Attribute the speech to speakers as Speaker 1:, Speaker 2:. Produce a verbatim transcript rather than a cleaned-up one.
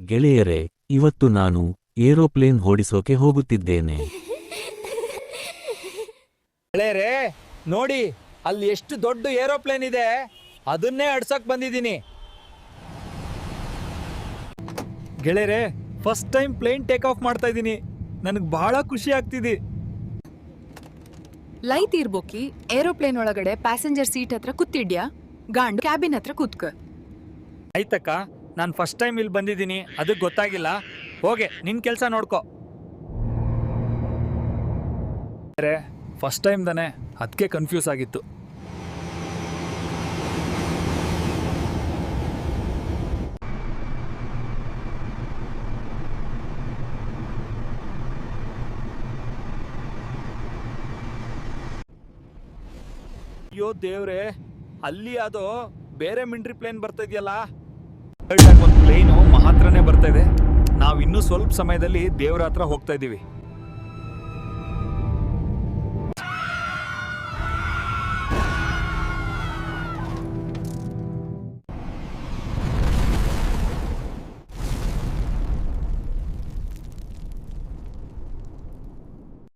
Speaker 1: ಗೆಳೆಯರೇ, ಇವತ್ತು ನಾನು ಏರೋಪ್ಲೇನ್ ಓಡಿಸೋಕೆ ಹೋಗುತ್ತಿದ್ದೇನೆ.
Speaker 2: ಗೆಳೆಯರೇ ನೋಡಿ, ಅಲ್ಲಿ ಎಷ್ಟು ದೊಡ್ಡ ಏರೋಪ್ಲೇನ್ ಇದೆ, ಅದನ್ನೇ ಅಡ್ಸಕ್ ಬಂದಿದ್ದೀನಿ. ಗೆಳೆಯರೇ, first time plane take off ಮಾಡ್ತಾ ಇದ್ದೀನಿ. ನನಗೆ ಬಹಳ ಖುಷಿ ಆಗ್ತಿದೆ.
Speaker 3: ಲೈ ತೀರ್ಬೋಕಿ ಏರೋಪ್ಲೇನ್ ಒಳಗಡೆ ಪ್ಯಾಸೆಂಜರ್ ಸೀಟ್ ಹತ್ರ ಕೂತಿದ್ಯಾ, ಗಾಂಡು ಕ್ಯಾಬಿನ್ ಹತ್ರ ಕೂತ್ಕ.
Speaker 2: ಆಯ್ತಕ್ಕ, ನಾನು ಫಸ್ಟ್ ಟೈಮ್ ಇಲ್ಲಿ ಬಂದಿದ್ದೀನಿ, ಅದಕ್ಕೆ ಗೊತ್ತಾಗಿಲ್ಲ. ಹೋಗೆ ನಿನ್ನ ಕೆಲಸ ನೋಡ್ಕೊ. ಫಸ್ಟ್ ಟೈಮ್ ತಾನೆ, ಅದಕ್ಕೆ ಕನ್ಫ್ಯೂಸ್ ಆಗಿತ್ತು. ಅಯ್ಯೋ ದೇವ್ರೆ, ಅಲ್ಲಿ ಅದು ಬೇರೆ ಮಿಲಿಟರಿ ಪ್ಲೇನ್ ಬರ್ತಾ ಇದೆಯಲ್ಲ. ಒಂದು ಪ್ಲೇನು ಮಹಾತ್ರನೇ ಬರ್ತಾ ಇದೆ. ನಾವು ಇನ್ನೂ ಸ್ವಲ್ಪ ಸಮಯದಲ್ಲಿ ದೇವ್ರ ಹತ್ರ ಹೋಗ್ತಾ ಇದ್ದೀವಿ.